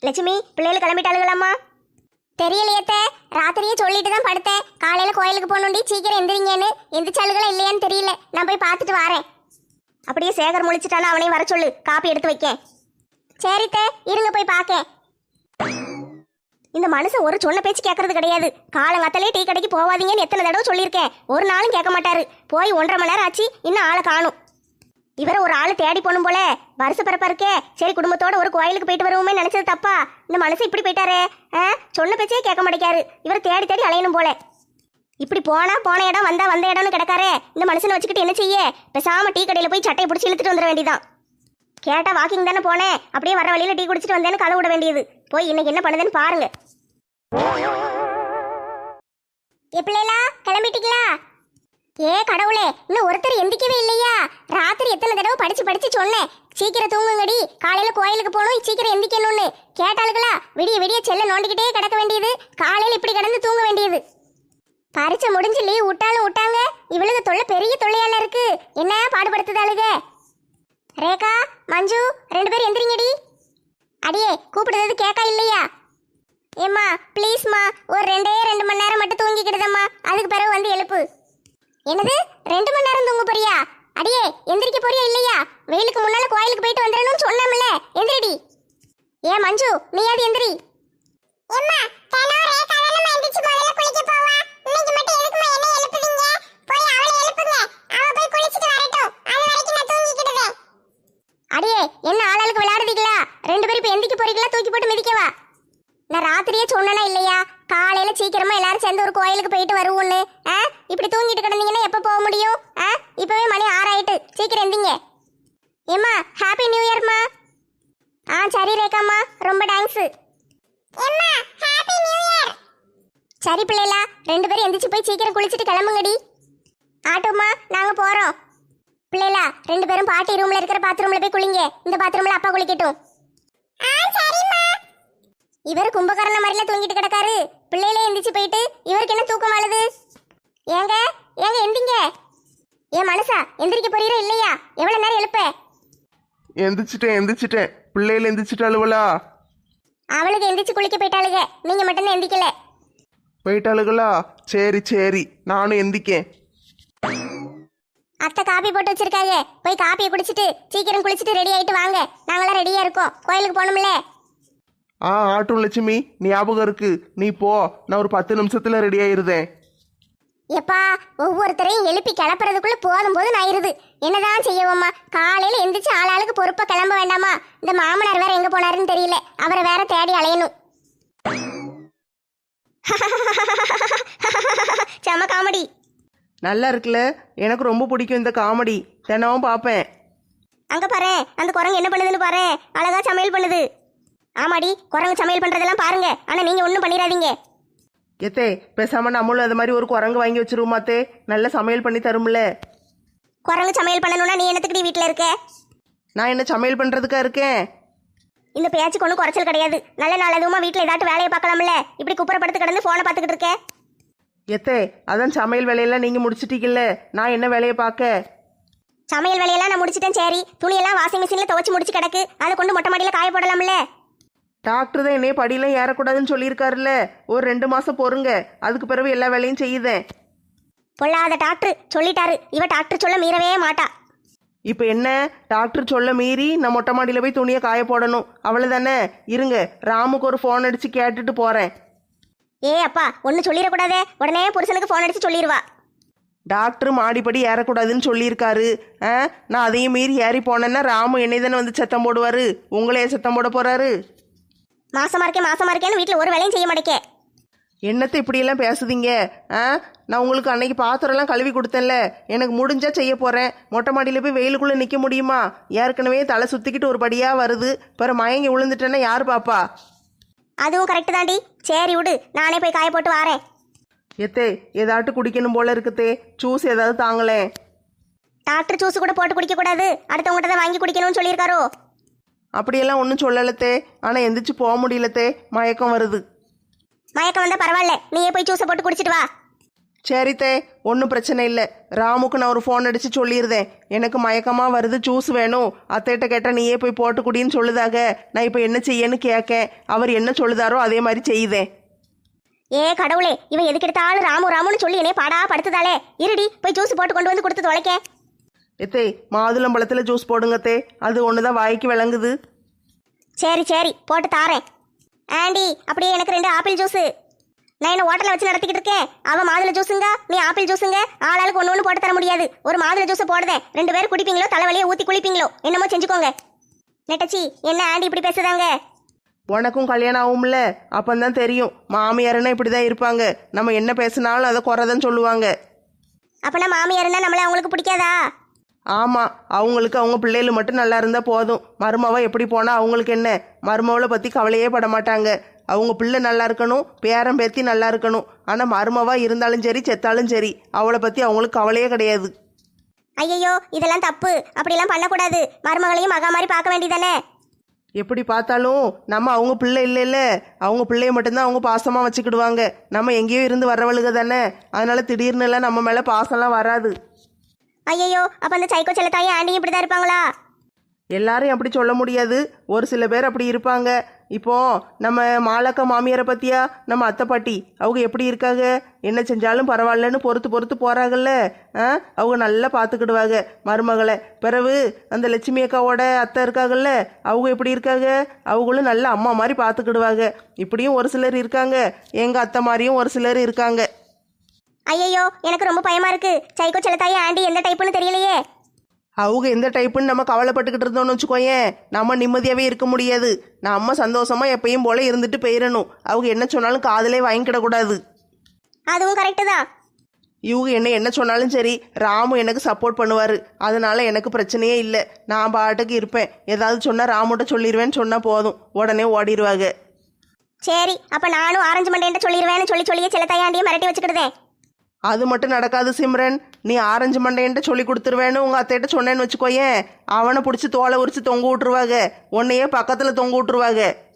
லட்சுமி, பிள்ளைகள் கிளம்பிட்டாளுகளாம்மா? தெரியலையத்த, ராத்திரியே சொல்லிட்டு தான் படுத்தேன். காலையில கோயிலுக்கு போகணுண்டி, சீக்கிரம் எந்திரிங்கன்னு. எந்திரிச்சாளுகளா இல்லையான்னு தெரியல, நான் போய் பார்த்துட்டு வரேன். அப்படியே சேகர் முழிச்சிட்டானா அவனையும் வர சொல்லு, காப்பி எடுத்து வைக்க. சரித்த, இருங்க போய் பார்க்க. இந்த மனுஷன் ஒரு சொன்ன பேச்சு கேட்கறது கிடையாது. காலங்காத்தாலே டீ கடைக்கு போவாதீங்கன்னு எத்தனை தடவை சொல்லியிருக்கேன், ஒரு நாளும் கேட்க மாட்டாரு. போய் 1.5 மணி நேரம் ஆச்சு, இன்னும் ஆளை காணும். இவரை ஒரு ஆள் தேடி போகணும் போல. வருஷ பிறப்பா இருக்கே, சரி குடும்பத்தோட ஒரு கோயிலுக்கு போயிட்டு வருவோமே நினைச்சது தப்பா? இந்த மனுஷன் இப்படி போயிட்டாரே. சொன்ன பேச்சே கேட்க மாட்டேக்காரு. இவரை தேடி தேடி அலையணும் போல. இப்படி போன இடம் வந்த இடம்னு கிடக்காரே. இந்த மனுஷனை வச்சுக்கிட்டு என்ன செய்ய? பேசாம டீ கடையில போய் சட்டையை பிடிச்சி இழுத்துட்டு வந்துட வேண்டியதான். கேட்டா வாக்கிங் தானே போனேன், அப்படியே வர வழியில டீ குடிச்சிட்டு வந்தேன்னு கதை விட வேண்டியது. போய் இன்னைக்கு என்ன பண்ணுதுன்னு பாருங்க. எப்படிலா கிளம்பிட்டீங்களா? ஏ கடவுளே, இன்னும் ஒருத்தர் எந்திக்கவே இல்லையா? ராத்திரி எத்தனை தடவை படிச்சு சொன்னேன், சீக்கிரம் தூங்குங்கடி, காலையில கோயிலுக்கு போகணும், சீக்கிரம் எந்திக்கணும்னு. கேட்டாளுகளா? விடிய விடிய செல்ல நோண்டிக்கிட்டே கிடக்க வேண்டியது, காலையில இப்படி கிடந்து தூங்க வேண்டியது. பரீட்சை முடிஞ்சு லீவ் விட்டாங்க. இவளுக்கு தொல்லை பெரிய தொல்லையால இருக்கு. என்ன பாடுபடுத்துதாளுக? ரேகா, மஞ்சு 2 பேரும் எந்திரிங்கடி. அடியே, கூப்பிடுறது கேட்கா இல்லையா? ஏம்மா ப்ளீஸ்மா, ஒரு 2 மணி நேரம் மட்டும் தூங்கிக்கிடுதம்மா, அதுக்கு பிறகு வந்து எழுப்பு. என்னது 2 மணி நேரம் தூங்க போறியா? அடியே, எந்திரிக்க போறியா இல்லையா? வெயிலுக்கு முன்னால கோயிலுக்கு போயிட்டு வந்துடணும்னு சொன்னோம்ல, எந்திரிடி. ஏ மஞ்சு, நீயாவது எந்திரி. ஏம்மா, தானோ ரேகா தானே எந்திரிச்சு முதல்ல குளிக்க போவா. இன்னைக்கு மட்டும் எதுக்குமா என்ன எழுப்புவீங்க? போய் அவளை எழுப்புங்க, அவ போய் குளிச்சிட்டு வரட்டும், அது வரைக்கும் நான் தூங்கிக்கிடுவேன். அடியே, என்ன ஆளாளுக்கு விளையாடுறீங்களா? 2 பேரும் இப்ப எந்திரிக்க போறீங்களா, தூக்கி போட்டு மிதிக்கவா? நான் ராத்திரியே சொன்னேனா இல்லையா, காலையில சீக்கிரமா எல்லாரும் சேர்ந்து ஒரு கோயிலுக்கு போயிட்டு வருவோன்னு? இப்படி தூங்கிட்டு கிடந்தீங்கன்னா எப்ப போக முடியும்? இப்பவே மணி 6 ஆயிட்டு, சீக்கிரம் எந்திங்க. ஏம்மா, ஹாப்பி நியூ இயர்மா. சரி ரேகாம்மா, ரொம்ப தேங்க்ஸ். சரி பிள்ளைகளா, 2 பேரும் எந்திரிச்சு போய் சீக்கிரம் குளிச்சுட்டு கிளம்புங்கடி. ஆட்டோம்மா, நாங்க போறோம். பிள்ளைகளா, 2 பேரும் பாட்டி ரூம்ல இருக்கிற பாத்ரூம்ல போய் குளிங்க, இந்த பாத்ரூம்ல அப்பா குளிக்கட்டும். இவர் கும்பகரண மாதிரில தூங்கிட்டு கிடக்காரு. பிள்ளையிலே எந்திரிச்சு போயிட்டு இவருக்கு என்ன தூக்கம் வாழுது? ஏங்க எந்திங்க. ஏன் மனுஷா, எந்திரிக்க போறீரா இல்லையா? எவ்வளவு நேரம் எழுப்ப? எந்திரிச்சிட்டேன். பிள்ளையில எந்திரிச்சிட்டாளுவலா? அவளுக்கு எந்திரிச்சு குளிக்க போயிட்டாளுங்க, நீங்க மட்டும் எந்திக்கல. போயிட்டாளுகளா? சரி, நானும் எந்திக்கேன். அத்தை காப்பி போட்டு வச்சிருக்காங்க, போய் காப்பியை குடிச்சிட்டு சீக்கிரம் குளிச்சுட்டு ரெடி ஆயிட்டு வாங்க. நாங்களாம் ரெடியா இருக்கோம், கோயிலுக்கு போகணும்ல. ஆட்டும் லட்சுமி, ஞாபகம் இருக்கு. நீ போ, நான் ஒரு 10 நிமிஷத்துல ரெடி ஆயிருதேன். எப்பா, ஒவ்வொருத்தரையும் எழுப்பி கிளப்புறதுக்குள்ள போதும் ஆயிருது. என்னதான் செய்யவோம்மா? காலையில எந்திரிச்சு ஆளாளுக்கு பொறுப்பா கிளம்ப வேண்டாமா? இந்த மாமனார் வேற எங்க போனாருன்னு தெரியல, அவரை வேற தேடி அலையணும். செம காமெடி. நல்லா இருக்குல்ல, எனக்கு ரொம்ப பிடிக்கும் இந்த காமெடி, தினமும் பார்ப்பேன். அங்க பாரு, அந்த குரங்கு என்ன பண்ணுதுன்னு பாரு, அழகா சமையல் பண்ணுது. ஆமாடி, குரங்கு சமையல் பண்றதெல்லாம் பாருங்க, ஆனா நீங்க ஒன்றும் பண்ணிடாதீங்க. எத்தே, பேசாம நம்மளும் அது மாதிரி ஒரு குரங்கு வாங்கி வச்சிருவோமாத்தே, நல்ல சமையல் பண்ணி தரும்ல. குரங்கு சமையல் பண்ணணும்னா நீ என்னத்துக்கு வீட்டில் இருக்க? நான் என்ன சமையல் பண்றதுக்கா இருக்கேன்? இந்த பேச்சுக்கு ஒன்றும் குறைச்சல் கிடையாது. நல்ல நாள் அதுவுமா வீட்டில் ஏதாட்டும் வேலையை பார்க்கலாம்ல, இப்படி குப்புறப்படுத்து கிடந்து ஃபோனை பார்த்துக்கிட்டு இருக்க. எத்தே, அதான் சமையல் வேலையெல்லாம் நீங்க முடிச்சிட்டீங்கல்ல, நான் என்ன வேலையை பார்க்க? சமையல் வேலையெல்லாம் நான் முடிச்சிட்டேன். சரி, துணியெல்லாம் வாஷிங் மிஷினில் துவச்சி முடிச்சு கிடக்கு, அதை கொண்டு மொட்டை மாடியில் காய போடலாம்ல. டாக்டர் தான் என்னைய படியெல்லாம் ஏறக்கூடாதுன்னு சொல்லியிருக்காருல்ல, ஒரு 2 மாசம் பொறுங்க, அதுக்கு பிறகு எல்லா வேலையும் செய்யுதேன். பொல்லாத டாக்டர் சொல்லிட்டாரு, இவ டாக்டர் சொல்ல மீறவே மாட்டா. இப்போ என்ன, டாக்டர் சொல்ல மீறி நான் மொட்டை மாடியில் போய் துணியை காய போடணும், அவ்வளோதானே? இருங்க, ராமுக்கு ஒரு ஃபோன் அடித்து கேட்டுட்டு போகிறேன். ஏ அப்பா, ஒன்று சொல்லிடக்கூடாதே, உடனே புருஷனுக்கு ஃபோன் அடித்து சொல்லிடுவா. டாக்டர் மாடிப்படி ஏறக்கூடாதுன்னு சொல்லியிருக்காரு. நான் அதையும் மீறி ஏறி போனேன்னா ராமு என்னை தானே வந்து சத்தம் போடுவார், உங்களே சத்தம் போட போகிறாரு. மாசமா இருக்கேன்னு வீட்டில் ஒரு வேலையும் செய்ய மாட்டேக்கே. என்னத்தை இப்படியெல்லாம் பேசுதீங்க? நான் உங்களுக்கு அன்னைக்கு பாத்திரம்லாம் கழுவி கொடுத்தேன்ல, எனக்கு முடிஞ்சா செய்ய போகிறேன். மொட்டை மாடியில் போய் வெயிலுக்குள்ளே நிற்க முடியுமா? ஏற்கனவே தலை சுற்றிக்கிட்டு ஒரு படியாக வருது, பிற மயங்கி விழுந்துட்டேன்னா யார் பாப்பா? அதுவும் கரெக்டு தாண்டி. சரி விடு, நானே போய் காய போட்டு வாரேன். எத்தே, ஏதாட்டு குடிக்கணும் போல இருக்குத்தே, ஜூஸ் ஏதாவது தாங்களேன். டாக்டர் ஜூஸ் கூட போட்டு குடிக்கக்கூடாது, அடுத்தவங்ககிட்ட தான் வாங்கி குடிக்கணும்னு சொல்லியிருக்காரோ? அப்படியெல்லாம் ஒன்றும் சொல்லலத்தே, ஆனால் எந்திரிச்சு போக முடியலத்தே, மயக்கம் வருது. மயக்கம் வந்தா பரவாயில்ல, நீயே போய் ஜூஸை போட்டு குடிச்சிட்டு வா. சரித்தே, ஒன்றும் பிரச்சனை இல்லை. ராமுக்கு நான் ஒரு ஃபோன் அடித்து சொல்லியிருந்தேன், எனக்கு மயக்கமாக வருது, ஜூஸ் வேணும், அத்தைகிட்ட கேட்டால் நீயே போய் போட்டு குடின்னு சொல்லுதாக. நான் இப்போ என்ன செய்யன்னு கேட்கேன். அவர் என்ன சொல்லுதாரோ அதே மாதிரி செய்யுதேன். ஏ கடவுளே, இவன் எதுக்கு எடுத்தாலும் ராமு ராமுன்னு சொல்லி என்னைய பாடா படுத்துதாளே. இருடி போய் ஜூஸ் போட்டு கொண்டு வந்து கொடுத்து தொலைக்க. எத்தே, மாதுளம்பழத்தில் ஜூஸ் போடுங்கத்தே, அது ஒன்று தான் வாய்க்கு விளங்குது. சரி சரி போட்டு தாரேன். ஆண்டி அப்படியே எனக்கு 2 ஆப்பிள் ஜூஸு. நான் என்ன ஹோட்டலில் வச்சு நடத்திக்கிட்டு இருக்கேன். அவன் மாதுளை ஜூஸுங்க, நீ ஆப்பிள் ஜூஸுங்க. ஆளாளுக்கு ஒன்று போட்டு தர முடியாது. ஒரு மாதுளை ஜூஸை போடுதேன், 2 பேர் குடிப்பீங்களோ தலைவலியை ஊற்றி குளிப்பீங்களோ என்னமோ செஞ்சுக்கோங்க. நெட்டச்சி என்ன ஆண்டி இப்படி பேசுதாங்க? உனக்கும் கல்யாணம் ஆகும்ல, அப்பந்தான் தெரியும். மாமியாருன்னா இப்படி தான் இருப்பாங்க. நம்ம என்ன பேசினாலும் அதை குறைதான் சொல்லுவாங்க. அப்பனா மாமியாருன்னா நம்மள அவங்களுக்கு பிடிக்காதா? ஆமாம், அவங்களுக்கு அவங்க பிள்ளைகள் மட்டும் நல்லா இருந்தால் போதும். மருமவ எப்படி போனால் அவங்களுக்கு என்ன? மருமவளை பற்றி கவலையே பட மாட்டாங்க. அவங்க பிள்ளை நல்லா இருக்கணும், பேரன் பேத்தி நல்லா இருக்கணும். ஆனால் மருமவா இருந்தாலும் சரி செத்தாலும் சரி அவளை பற்றி அவங்களுக்கு கவலையே கிடையாது. ஐயையோ இதெல்லாம் தப்பு, அப்படிலாம் பண்ணக்கூடாது. மருமகளையும் மகா மாதிரி பார்க்க வேண்டியதானே? எப்படி பார்த்தாலும் நம்ம அவங்க பிள்ளை இல்லைல்ல, அவங்க பிள்ளைய மட்டும்தான் அவங்க பாசமாக வச்சுக்கிடுவாங்க. நம்ம எங்கேயோ இருந்து வர்றவளுக தானே, அதனால திடீர்னுலாம் நம்ம மேலே பாசம்லாம் வராது. ஐயையோ அப்ப அந்த சைக்கோ செல்லத்தாயே ஆண்டியும் இப்படிதான் இருப்பாங்களா? எல்லாரையும் அப்படி சொல்ல முடியாது, ஒரு சில பேர் அப்படி இருப்பாங்க. இப்போ நம்ம மாலக்கா மாமியாரை பற்றியா, நம்ம அத்தை பாட்டி அவங்க எப்படி இருக்காங்க? என்ன செஞ்சாலும் பரவாயில்லன்னு பொறுத்து பொறுத்து போகிறாங்கல்ல. அவங்க நல்லா பார்த்துக்கிடுவாங்க மருமகளை. பிறகு அந்த லட்சுமி அக்காவோட அத்தை இருக்காங்கல்ல, அவங்க எப்படி இருக்காங்க? அவங்களும் நல்ல அம்மா மாதிரி பார்த்துக்கிடுவாங்க. இப்படியும் ஒரு சிலர் இருக்காங்க, எங்கள் அத்தை மாதிரியும் ஒரு சிலர் இருக்காங்க. ஐயையோ எனக்கு ரொம்ப பயமா இருக்கு. சைக்கோ செல்லத்தாயே ஆண்டி எந்த டைப்புன்னு தெரியலையே. அவங்க எந்த டைப்புன்னு நம்ம கவலைப்பட்டுக்கிட்டு இருந்தோம்னு வச்சுக்கோயேன், நம்ம நிம்மதியாகவே இருக்க முடியாது. நம்ம சந்தோஷமாக எப்பயும் போல இருந்துட்டு போயிடணும். அவங்க என்ன சொன்னாலும் காதலே வாங்கிக்கிடக்கூடாது. அதுவும் கரெக்டு தான். இவங்க என்ன சொன்னாலும் சரி, ராமு எனக்கு சப்போர்ட் பண்ணுவார். அதனால எனக்கு பிரச்சனையே இல்லை. நான் பாட்டுக்கு இருப்பேன். ஏதாவது சொன்னால் ராமுட்ட சொல்லிடுவேன்னு சொன்னால் போதும், உடனே ஓடிடுவாங்க. சரி அப்ப நானும் ஆரஞ்சு மண்டேன்ட்டு சொல்லிடுவேன்னு சொல்லியே செல்லத்தாயே ஆண்டியை மிரட்டி வச்சுக்கிடுதேன். அது மட்டும் நடக்காது சிம்ரன். நீ ஆரஞ்சு மண்டையன்ட்டு சொல்லி கொடுத்துருவேன்னு உங்கள் அத்தைகிட்ட சொன்னேன்னு வச்சுக்கோயேன், அவனை பிடிச்சி தோலை உரிச்சு தொங்க விட்டுருவாங்க, உன்னையே பக்கத்தில் தொங்க விட்டுருவாங்க.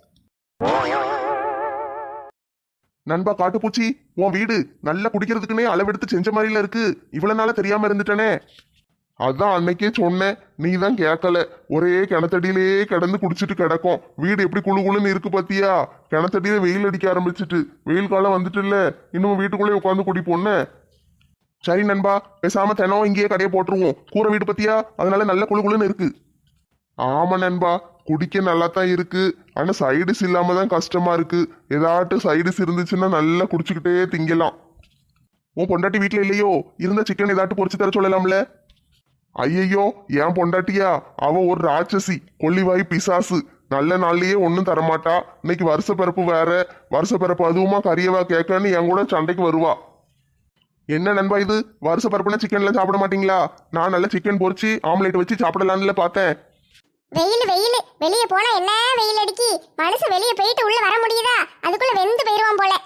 நண்பா காட்டுப்பூச்சி, உன் வீடு நல்லா குடிக்கிறதுக்குன்னே அளவெடுத்து செஞ்ச மாதிரில இருக்கு. இவ்வளவு நாளா தெரியாம இருந்துட்டனே. அதான் அன்னைக்கே சொன்னேன், நீ தான் கேட்கல. ஒரே கிணத்தடியிலே கிடந்து குடிச்சிட்டு கிடக்கும். வீடு எப்படி குழு குழுன்னு இருக்கு பாத்தியா? கிணத்தடியில வெயில் அடிக்க ஆரம்பிச்சிட்டு, வெயில் காலம் வந்துட்டு இல்ல, இன்னும் வீட்டுக்குள்ளே உட்காந்து குடிப்போன்னு. சரி நண்பா, பேசாம தினம் இங்கேயே கடையை போட்டுருவோம். கூரை வீடு பத்தியா, அதனால நல்ல குழு குழுன்னு இருக்கு. ஆமா நண்பா, குடிக்க நல்லா தான் இருக்கு. ஆனா சைடிஸ் இல்லாம தான் கஷ்டமா இருக்கு. ஏதாட்டும் சைடிஸ் இருந்துச்சுன்னா நல்லா குடிச்சுக்கிட்டே திங்கலாம். உன் பொண்டாட்டி வீட்டுல இல்லையோ? இருந்த சிக்கன் ஏதாட்டும் பொரிச்சு தர சொல்லலாம்ல? ஐயையோ, ஏன் பொண்டாட்டியா? அவ ஒரு ராட்சசி, கொல்லிவாய் பிசாசு. நல்ல நாள்லயே ஒன்னும் தரமாட்டா. இன்னைக்கு வருஷ பிறப்பு வேற. வருஷ பிறப்பு அதுவுமா கறியவா கேட்கன்னு என் கூட சண்டைக்கு வருவா. என்ன நண்பா இது, வருஷ பிறப்புனா சிக்கன்லாம் சாப்பிட மாட்டீங்களா? நான் நல்ல சிக்கன் பொரிச்சு ஆம்லேட் வச்சு சாப்பிடலான்னு பார்த்தேன். வெயில் வெயில் வெளியே போனா என்ன வெயில் அடிக்கி. மனுஷன் வெளியே போயிட்டு உள்ள வர முடியுதா? அதுக்குள்ள வெந்து போயிருவான் போல.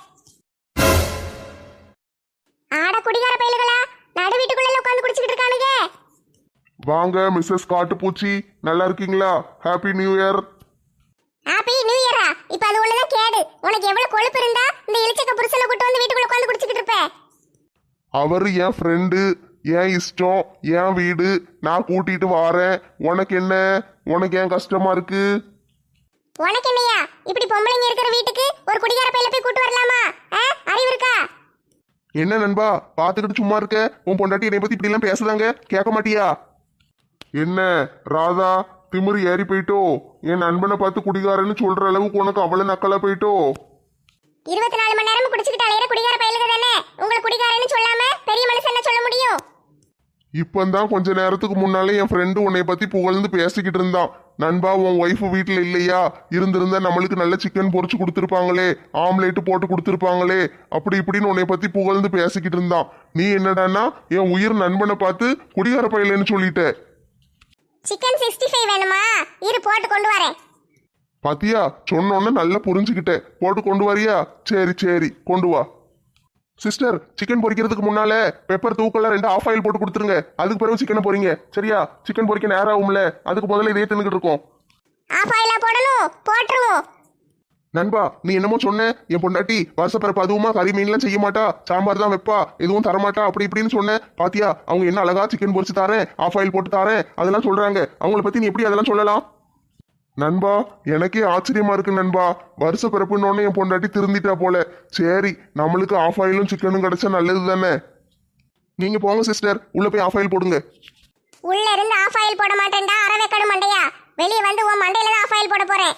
ஆட குடிகார பயலுகளா, நடு வீட்டுக்குள்ள உட்காந்து குடிச்சுக்கிட்டு இருக்கானுங்க. வாங்க மிஸ்ஸஸ் காட்டுப்பூச்சி, நல்லா இருக்கீங்களா? Happy new year. Happy new இயரா? இப்ப அது உள்ளதான் கேடு. உனக்கு எவ்வளவு கொழுப்பு இருந்தா இந்த இளிச்சக்க புருஷனை கூட்டு வந்து வீட்டுக்குள்ள உட்காந்து குடிச்சுக்கிட்டு இருப்ப? அவரு என் ஃப்ரெண்டு, என் இஷ்டம், என் வீடு, நான் கூட்டிட்டு வாரேன். உனக்கு என்ன? உனக்கு ஏன் கஷ்டமா இருக்கு? உனக்கு என்னையா? இப்படி பொம்பளைங்க இருக்கிற வீட்டுக்கு ஒரு குடிகார பையில போய் கூட்டு வரலாமா? அறிவு இருக்கா? என்ன நண்பா பாத்துக்கிட்டு சும்மா இருக்க? உன் பொண்டாட்டி என்னை பத்தி இப்படி எல்லாம் பேசுதாங்க, கேட்க மாட்டியா? என்ன ராதா, திமிரு ஏறி போயிட்டோ? என் நண்பனை பார்த்து குடிகாரன்னு சொல்ற அளவுக்கு உனக்கு அவ்வளவு நக்கலா போயிட்டோ? 24 மணி நேரம் குடிச்சுக்கிட்டு அலையிற குடிகார பையலுக தானே. உங்களை குடிகாரன்னு சொல்லாம பெரிய மனுஷன் என்ன சொல்ல முடியும்? இப்பந்தான் கொஞ்ச நேரத்துக்கு முன்னாலே என் ஃப்ரெண்டு உன்னை பத்தி புகழ்ந்து பேசிக்கிட்டு இருந்தான். நண்பா, உன் ஒய்ஃபு வீட்டுல இல்லையா? இருந்திருந்தா நம்மளுக்கு நல்ல சிக்கன் பொரிச்சு கொடுத்துருப்பாங்களே, ஆம்லேட்டு போட்டு கொடுத்துருப்பாங்களே, அப்படி இப்படின்னு உன்னை பத்தி புகழ்ந்து பேசிக்கிட்டு இருந்தான். நீ என்னடான்னா என் உயிர் நண்பனை பார்த்து குடிகார பையலன்னு சொல்லிட்ட. சிக்கன் 65 வேணுமா? இரு போட்டு கொண்டு வரேன். பாத்தியா, சொன்னோன்னு நல்லா புரிஞ்சுக்கிட்டேன். போட்டு கொண்டு வரியா? சரி சரி கொண்டு வா. சிஸ்டர், சிக்கன் பொரிக்கிறதுக்கு முன்னால பெப்பர் தூக்கெல்லாம் 2 ஆஃப் ஆயில் போட்டு கொடுத்துருங்க. அதுக்கு பிறகு சிக்கனை பொரிங்க, சரியா? சிக்கன் பொரிக்க நேரம் ஆகும்ல, அதுக்கு முதல்ல இதே தின்னுக்கிட்டு இருக்கோம். ஆஃப் ஆயிலா போடணும்? போட்டுருவோம். நண்பா நீ என்னமோ சொன்ன என் பொண்டாட்டி வருஷப்பிறப்பு அதுவுமா கறி மீன்லாம் செய்ய மாட்டா, சாம்பார் தான் வைப்பா, எதுவும் தரமாட்டா அப்படி இப்படின்னு சொன்ன. பாத்தியா அவங்க என்ன அழகா சிக்கன் பொரிச்சு தாரேன், ஆஃப் ஆயில் போட்டு தாரேன் அதெல்லாம் சொல்றாங்க. அவங்கள பத்தி நீ எப்படி அதெல்லாம் சொல்லலாம்? நண்பா எனக்கே ஆச்சரியமா இருக்கு நண்பா. வருஷ பிறப்புன்னு என் பொண்டாட்டி திருந்திட்டா போல. சரி நம்மளுக்கு ஆஃப் ஆயிலும் சிக்கனும் கிடைச்சா நல்லது தானே. நீங்க போங்க சிஸ்டர், உள்ள போய் ஆஃப் ஆயில் போடுங்க. உள்ள இருந்து ஆஃப் ஆயில் போட மாட்டேன்டா அரவேக்கடும் மண்டையா. வெளியே வந்து உன் மண்டையில தான் ஆஃப் ஆயில் போட போறேன்.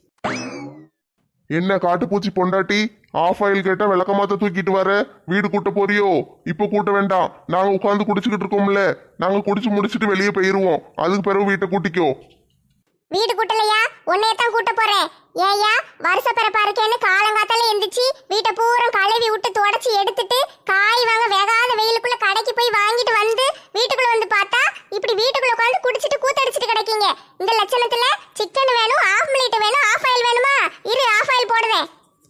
என்ன காட்டுப்பூச்சி பொண்டாட்டி, ஆஃப் ஆயில் கேட்டா விளக்கமாத்த தூக்கிட்டு வர, வீடு கூட்ட போறியோ? இப்ப கூட்ட வேண்டாம், நாங்க உட்காந்து குடிச்சுக்கிட்டு இருக்கோம்ல, நாங்க குடிச்சு முடிச்சுட்டு வெளியே போயிருவோம். அதுக்கு பிறகு வீட்டை கூட்டிக்கோ. வீடு கூட்டலையா? உன்னைய தான் கூட்ட போறேன். ஏயா வருஷ பிறப்பா இருக்கேன்னு காலங்காத்தால எந்திரிச்சு வீட்டை பூரா கழுவி விட்டு தொடச்சி எடுத்துட்டு காய் வாங்க வேகாத வெயிலுக்குள்ள கடைக்கு போய் வாங்கிட்டு வந்து வீட்டுக்குள்ள வந்து பார்த்தா இப்படி வீட்டுக்குள்ள உட்காந்து குடிச்சிட்டு கூத்தடிச்சிட்டு கிடைக்கீங்க. இந்த லட்சணத்துல சிக்கன் வேணும், ஆஃப் மினிட் வேணும், ஆஃப் ஆயில் வேணுமா? இரு ஆஃப் ஆயில் போடுவேன்.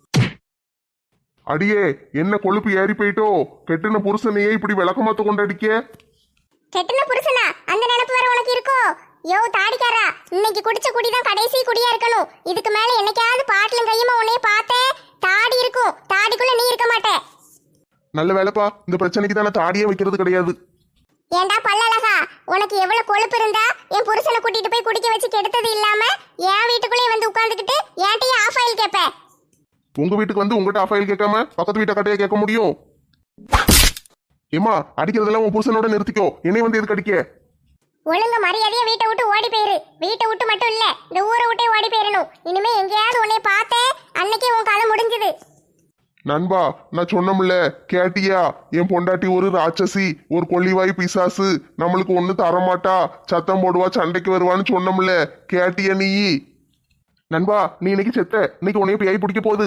அடியே என்ன கொழுப்பு ஏறி போயிட்டோ? கெட்டின புருஷனையே இப்படி விளக்கமாத்த கொண்டாடிக்க. கெட்டின புருஷனா? அந்த நினைப்பு வேற உனக்கு இருக்கோ? யோ தாடிக்காரா, இன்னைக்கு குடிச்ச குடிதான் கடைசி குடியா இருக்கணும். இதுக்கு மேல என்னைக்காவது பாட்டிலும் கையுமா உன்னைய பார்த்தேன் தாடி இருக்கும், தாடிக்குள்ள நீ இருக்க மாட்டே. நல்ல வேலைப்பா, இந்த பிரச்சனைக்கு தானே தாடியே வைக்கிறது கிடையாது. ஏண்டா பல்லழகா, உனக்கு எவ்வளவு கொழுப்பு இருந்தா என் புருஷனை கூட்டிட்டு போய் குடிக்க வச்சு கெடுத்தது இல்லாம என் வீட்டுக்குள்ளே வந்து உட்கார்ந்துக்கிட்டு ஏன்ட்டையே ஆஃப் ஆயில் கேட்ப? உங்க வீட்டுக்கு வந்து உங்ககிட்ட ஆஃப் ஆயில் கேட்காம பக்கத்து வீட்டை கட்டையா கேட்க முடியும்? ஏமா அடிக்கிறதெல்லாம் உன் புருஷனோட நிறுத்திக்கோ, என்னை வந்து எதுக்கு அடிக்க? ஒழுங்கு மரியாதையா வீட்டை விட்டு ஓடி போயிரு. வீட்டை விட்டு மட்டும் இல்ல, இந்த ஊரை விட்டே ஓடி போயிடணும். இனிமே எங்கேயாவது உன்னை பார்த்தேன் அன்னைக்கே உன் கதை முடிஞ்சது. நண்பா நான் சொன்னோம்ல கேட்டியா? என் பொண்டாட்டி ஒரு ராட்சசி, ஒரு கொள்ளிவாய் பிசாசு, நம்மளுக்கு ஒண்ணு தரமாட்டா, சத்தம் போடுவா, சண்டைக்கு வருவான்னு சொன்னோம்ல, கேட்டியா நீ? நண்பா நீ இன்னைக்கு செத்த, இன்னைக்கு உன்னைய பேய் பிடிக்க போகுது.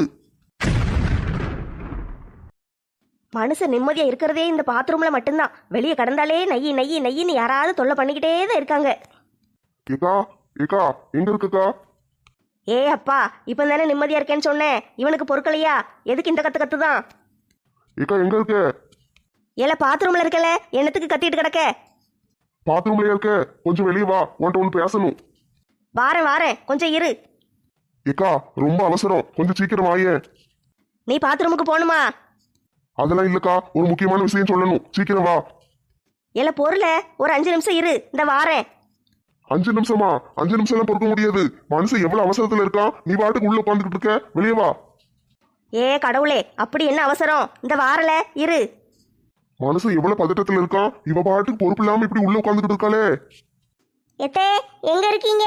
மனுஷன் நிம்மதியா இருக்கிறதே இந்த பாத்ரூம்ல மட்டும்தான். வெளியே கடந்தாலே நையி நையி நையின்னு யாராவது தொல்லை பண்ணிக்கிட்டே தான் இருக்காங்க. ஏக்கா ஏக்கா எங்க இருக்குக்கா? ஏ அப்பா, இப்ப தானே நிம்மதியா இருக்கேன்னு சொன்னேன், இவனுக்கு பொறுக்கலையா? எதுக்கு இந்த கத்து கத்து தான்? ஏக்கா எங்க இருக்க? ஏல பாத்ரூம்ல இருக்கல, என்னத்துக்கு கத்திட்டு கிடக்க? பாத்ரூம்லயே இருக்க, கொஞ்சம் வெளியே வா, உன்கிட்ட ஒண்ணு பேசணும். வாரேன் வாரேன், கொஞ்சம் இரு. ஏக்கா ரொம்ப அவசரம், கொஞ்சம் சீக்கிரம் வாயேன். நீ பாத்ரூமுக்கு போகணுமா? அதெல்லாம் இல்லக்கா, ஒரு முக்கியமான விஷயம் சொல்லணும், சீக்கிரம் வா. ஏல பொருள ஒரு 5 நிமிஷம் இரு, இந்த வாரேன். 5 நிமிஷமா? 5 நிமிஷம் எல்லாம் பொறுக்க முடியாது. மனுஷன் எவ்வளவு அவசரத்துல இருக்கான், நீ பாட்டுக்கு உள்ள உட்காந்துக்கிட்டு இருக்க, வெளியே வா. ஏ கடவுளே, அப்படி என்ன அவசரம்? இந்த வாரல இரு. மனுஷன் எவ்வளவு பதட்டத்துல இருக்கான், இவ பாட்டுக்கு பொறுப்பு இல்லாம இப்படி உள்ள உட்காந்துக்கிட்டு இருக்காளே. எத்தே எங்க இருக்கீங்க?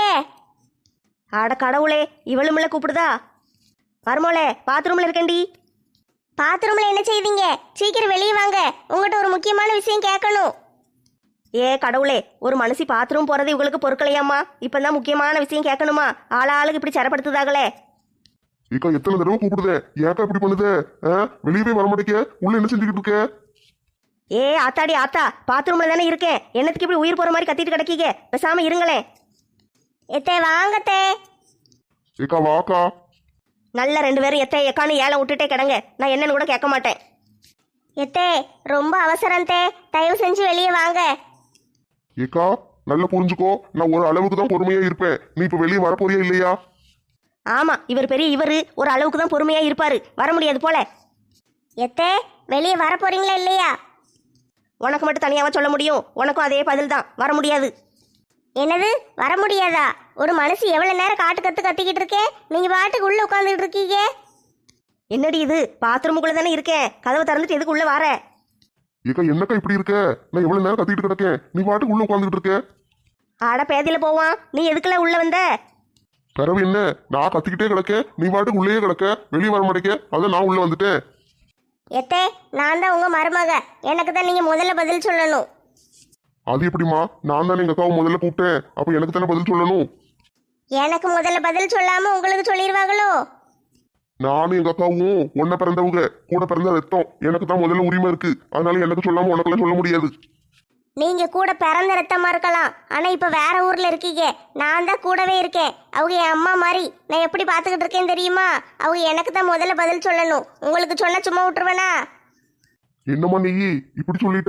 அட கடவுளே, இவளுமில்ல கூப்பிடுதா? மருமோளே பாத்ரூம்ல இருக்கேன்டி. பாத்ரூம்ல என்ன செய்வீங்க? சீக்கிரம் வெளியே வாங்க, உங்ககிட்ட ஒரு முக்கியமான விஷயம் கேட்கணும். ஏ கடவுளே, ஒரு மனுஷி பாத்ரூம் போறது இவங்களுக்கு பொறுக்கலையாம்மா? இப்பதான் முக்கியமான விஷயம் கேட்கணுமா? ஆளாளுக்கு இப்படி சரப்படுத்துதாங்களே. ஏக்கா எத்தனை தடவை கூப்பிடுதே, ஏக்கா இப்படி பண்ணுதே? வெளியவே வர மாட்டேங்க, உள்ள என்ன செஞ்சுக்கிட்டு இருக்க? ஏ ஆத்தாடி ஆத்தா, பாத்ரூம்ல தானே இருக்கேன், என்னத்துக்கு இப்படி உயிர் போற மாதிரி கத்திட்டு கிடக்கீங்க? பேசாம இருங்களேன். எத்தே வாங்கத்தே. ஏக்கா வாக்கா. நல்ல 2 பேரும் எத்த எக்கான்னு ஏலம் விட்டுட்டே கிடங்க, நான் என்னன்னு கூட கேட்க மாட்டேன். எத்தே ரொம்ப அவசரம் தே, தயவு செஞ்சு வெளியே வாங்க. ஏக்கா நல்லா புரிஞ்சுக்கோ, நான் ஒரு அளவுக்கு தான் பொறுமையா இருப்பேன், நீ இப்ப வெளியே வரப்போறியா இல்லையா? ஆமா, இவர் பெரிய இவரு ஒரு அளவுக்கு தான் பொறுமையா இருப்பாரு, வர முடியாது போல. எத்தே வெளியே வர போறீங்களா இல்லையா? உனக்கு மட்டும் தனியாவா சொல்ல முடியும்? உனக்கும் அதே பதில் தான், வர முடியாது. என்னது வர முடியாதா? ஒரு மனுஷி எவ்வளவு நேரம் காட்டு கத்து கத்திக்கிட்டு இருக்கேன், நீங்க பாட்டுக்கு உள்ள உட்காந்துக்கிட்டு இருக்கீங்க. என்னடி இது, பாத்ரூமுக்குள்ள தானே இருக்கேன், கதவை திறந்துட்டு எதுக்கு உள்ள வர? ஏக்கா என்னக்கா இப்படி இருக்க? நான் எவ்வளவு நேரம் கத்திட்டு கிடக்கேன், நீ பாட்டுக்கு உள்ள உட்காந்துக்கிட்டு இருக்க. ஆட பேதியில போவான், நீ எதுக்குள்ள உள்ள வந்த? பிறவு என்ன, நான் கத்திக்கிட்டே கிடக்கேன், நீ பாட்டுக்கு உள்ளேயே கிடக்க, வெளியே வர மாட்டேங்க, அதான் நான் உள்ள வந்துட்டேன். எத்தே நான் தான் உங்க மருமக, எனக்கு தான் நீங்க முதல்ல பதில் சொல்லணும். அது எப்படிமா? நான் தானே எங்க அக்காவை முதல்ல கூப்பிட்டேன், அப்ப எனக்கு தானே பதில் சொல்லணும். எனக்கு முதல்ல பதில் சொல்லாம உங்களுக்கு சொல்லிடுவாங்களோ? நானும் எங்க அக்காவும் ஒன்ன பிறந்தவங்க, கூட பிறந்த ரத்தம், எனக்கு தான் முதல்ல உரிமை இருக்கு, அதனால எனக்கு சொல்லாம உனக்கெல்லாம் சொல்ல முடியாது. நீங்க கூட பிறந்த ரத்தமா இருக்கலாம், ஆனா இப்ப வேற ஊர்ல இருக்கீங்க. நான் தான் கூடவே இருக்கேன், அவங்க என் அம்மா மாதிரி. நான் எப்படி பாத்துக்கிட்டு இருக்கேன் தெரியுமா? அவங்க எனக்கு தான் முதல்ல பதில் சொல்லணும், உங்களுக்கு சொன்ன சும்மா விட்டுருவேனா? என்னம்மா நீ இப்படி சொல்லிட்ட?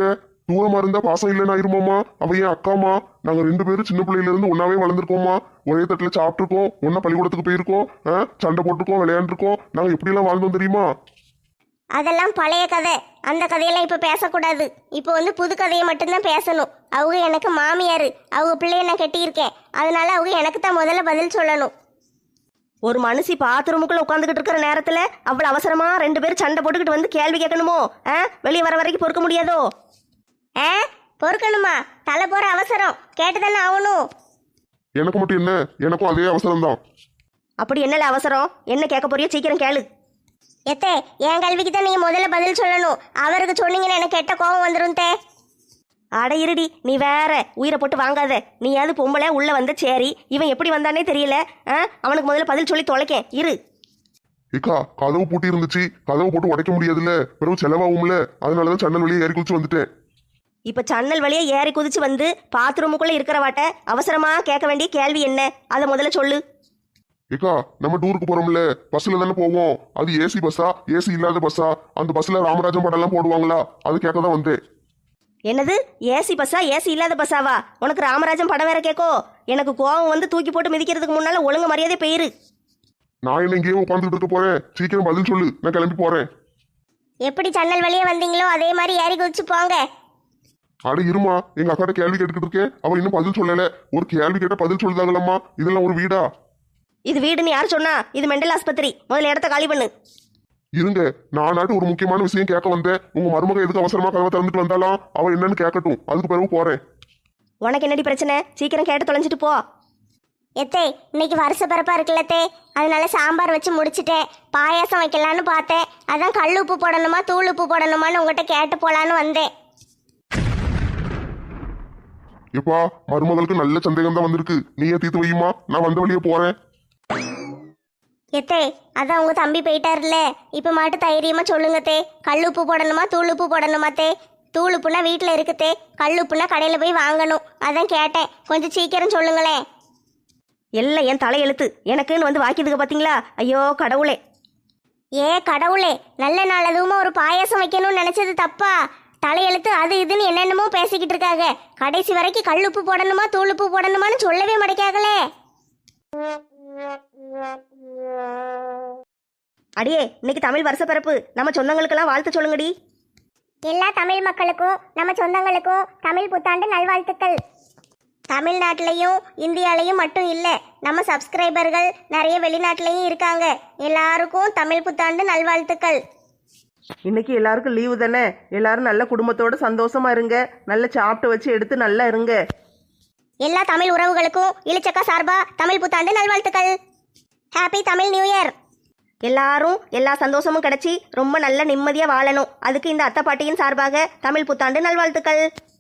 தூரமா இருந்தா பாசம் இல்லைன்னு ஆயிருமாமா? அவ என் அக்காமா. நாங்க 2 பேரும் சின்ன பிள்ளையில இருந்து ஒன்னாவே வளர்ந்துருக்கோமா. ஒரே தட்டுல சாப்பிட்டுருக்கோம், ஒன்னா பள்ளிக்கூடத்துக்கு போயிருக்கோம், சண்டை போட்டுருக்கோம், விளையாண்டுருக்கோம். நாங்க எப்படி எல்லாம் வாழ்ந்தோம் தெரியுமா? அதெல்லாம் பழைய கதை. அந்த கதையெல்லாம் இப்போ பேசக்கூடாது. இப்போ வந்து புது கதையை மட்டும்தான் பேசணும். அவங்க எனக்கு மாமியார், அவங்க பிள்ளைய நான் கட்டியிருக்கேன். அதனால அவங்க எனக்கு தான் முதல்ல பதில் சொல்லணும். ஒரு மனுஷி பாத்ரூமுக்குள்ள உட்காந்துக்கிட்டு இருக்கிற நேரத்துல அவ்வளவு அவசரமா 2 பேரும் சண்டை போட்டுக்கிட்டு வந்து கேள்வி கேட்கணுமோ? வெளியே வர வரைக்கும் பொறுக்க முடியாதோ? ஆ, பொறுக்கணுமா? தலை போற அவசரம் கேட்டு தானே ஆகணும். எனக்கு மட்டும் என்ன, எனக்கும் அதே அவசரம் தான். அப்படி என்னல அவசரம்? என்ன கேட்க போறியோ சீக்கிரம் கேளு. எத்தே, என் கல்விக்கு தான் நீங்க முதல்ல பதில் சொல்லணும். அவருக்கு சொன்னீங்கன்னா எனக்கு கெட்ட கோபம் வந்துடும் தே. அட இருடி, நீ வேற உயிரை போட்டு வாங்காத. நீயாவது பொம்பளை உள்ள வந்த சரி, இவன் எப்படி வந்தானே தெரியல. அவனுக்கு முதல்ல பதில் சொல்லி தொலைக்கேன் இரு. ஏக்கா, கதவு பூட்டி இருந்துச்சு, கதவை போட்டு உடைக்க முடியாதுல்ல, பிறகு செலவாகும்ல. அதனாலதான் சன்னல் வழியே ஏறி குதிச்சு வந்துட்டேன். இப்ப சன்னல் வழியே ஏறி குதிச்சு வந்து பாத்ரூமுக்குள்ள இருக்கிறவாட்ட அவசரமா கேட்க வேண்டிய கேள்வி என்ன? அதை முதல்ல சொல்லு. ஏக்கா, நம்ம டூருக்கு போறோம்ல, பஸ்ல தானே போவோம். அது ஏசி பஸ்ஸா, ஏசி இல்லாத பஸ்ஸா? அந்த பஸ்ல ராமராஜன் படம் எல்லாம் போடுவாங்களா? அது கேட்க தான் வந்தேன். என்னது ஏசி பஸ்ஸா? ஏசி இல்லாத பஸ்ஸாவா? உனக்கு ராமராஜன் படம் வேற கேட்கோ? எனக்கு கோவம் வந்து தூக்கி போட்டு மிதிக்கிறதுக்கு முன்னால ஒழுங்கு மரியாதை பெயிரு. நான் என்ன இங்கேயே உட்காந்துட்டு இருக்க போறேன்? சீக்கிரம் பதில் சொல்லு, நான் கிளம்பி போறேன். எப்படி சன்னல் வழியே வந்தீங்களோ அதே மாதிரி ஏறி குதிச்சு போங்க. அட இருமா, எங்க அக்காட்ட கேள்வி கேட்டுக்கிட்டு இருக்கேன், அவ இன்னும் பதில் சொல்லல. ஒரு கேள்வி கேட்ட பதில் சொல்லுதாங்களம்மா, இதெல்லாம் ஒரு வீடா? இது வீடுன்னு யார் சொன்னா? இது மெண்டல் ஆஸ்பத்திரி. முதல்ல இடத்த காலி பண்ணு. இருங்க, நானாட்டு ஒரு முக்கியமான விஷயம் கேட்க வந்தேன். உங்க மருமக எதுக்கு அவசரமா கதவை திறந்துட்டு வந்தாலும் அவ என்னன்னு கேட்கட்டும், அதுக்கு பிறகு போறேன். உனக்கு என்னடி பிரச்சனை? சீக்கிரம் கேட்டு தொலைஞ்சிட்டு போ. எத்தே, இன்னைக்கு வருஷ பிறப்பா இருக்குல்லத்தே, அதனால சாம்பார் வச்சு முடிச்சிட்டேன். பாயாசம் வைக்கலான்னு பார்த்தேன். அதான் கல் உப்பு போடணுமா தூள் உப்பு போடணுமான்னு உங்ககிட்ட கேட்டு போலான்னு வந்தேன். எப்பா, மருமகளுக்கு நல்ல சந்தேகம் தான் வந்திருக்கு. நீயே தீர்த்து வையுமா, நான் வந்த வழியே போறேன். எத்தே, அதான் உங்க தம்பி போயிட்டாருல்ல, இப்ப மாட்டு தைரியமா சொல்லுங்க தே. கல் உப்பு போடணுமா தூள் உப்பு போடணுமா தே? தூள் உப்புனா வீட்டுல இருக்குதே, கல் உப்புனா கடையில போய் வாங்கணும். அதான் கேட்டேன், கொஞ்சம் சீக்கிரம் சொல்லுங்களேன். எல்லாம் என் தலையெழுத்து. எனக்குன்னு வந்து வாக்கியதுக்கு பாத்தீங்களா? ஐயோ கடவுளே. ஏ கடவுளே, நல்ல நாள் அதுவுமா ஒரு பாயாசம் வைக்கணும்னு நினைச்சது தப்பா? தலையெழுத்து அது இதுன்னு என்னென்னமோ பேசிக்கிட்டு இருக்காங்க. கடைசி வரைக்கும் கல் உப்பு போடணுமா தூள் உப்பு போடணுமான்னு சொல்லவே மாட்டேக்காங்களே. அடியே, இன்னைக்கு தமிழ் வருஷ பிறப்பு. நம்ம சொந்தங்களுக்கெல்லாம் வாழ்த்து சொல்லுங்கடி. எல்லா தமிழ் மக்களுக்கும் நம்ம சொந்தங்களுக்கும் தமிழ் புத்தாண்டு நல்வாழ்த்துக்கள். தமிழ்நாட்டிலையும் இந்தியாலையும் மட்டும் இல்லை, நம்ம சப்ஸ்கிரைபர்கள் நிறைய வெளிநாட்டிலையும் இருக்காங்க. எல்லாருக்கும் தமிழ் புத்தாண்டு நல்வாழ்த்துக்கள். இன்னைக்கு எல்லாருக்கும் லீவு தானே. எல்லாரும் நல்ல குடும்பத்தோட சந்தோஷமா இருங்க. நல்ல சாப்பிட்டு வச்சு எடுத்து நல்லா இருங்க. எல்லா தமிழ் உறவுகளுக்கும் இளிச்சக்கா சார்பா தமிழ் புத்தாண்டு நல்வாழ்த்துக்கள். Happy Tamil new year. எல்லாரும் எல்லா சந்தோஷமும் கிடைச்சி ரொம்ப நல்ல நிம்மதியா வாழணும். அதுக்கு இந்த அத்தை பாட்டியின் சார்பாக தமிழ் புத்தாண்டு நல்வாழ்த்துக்கள்.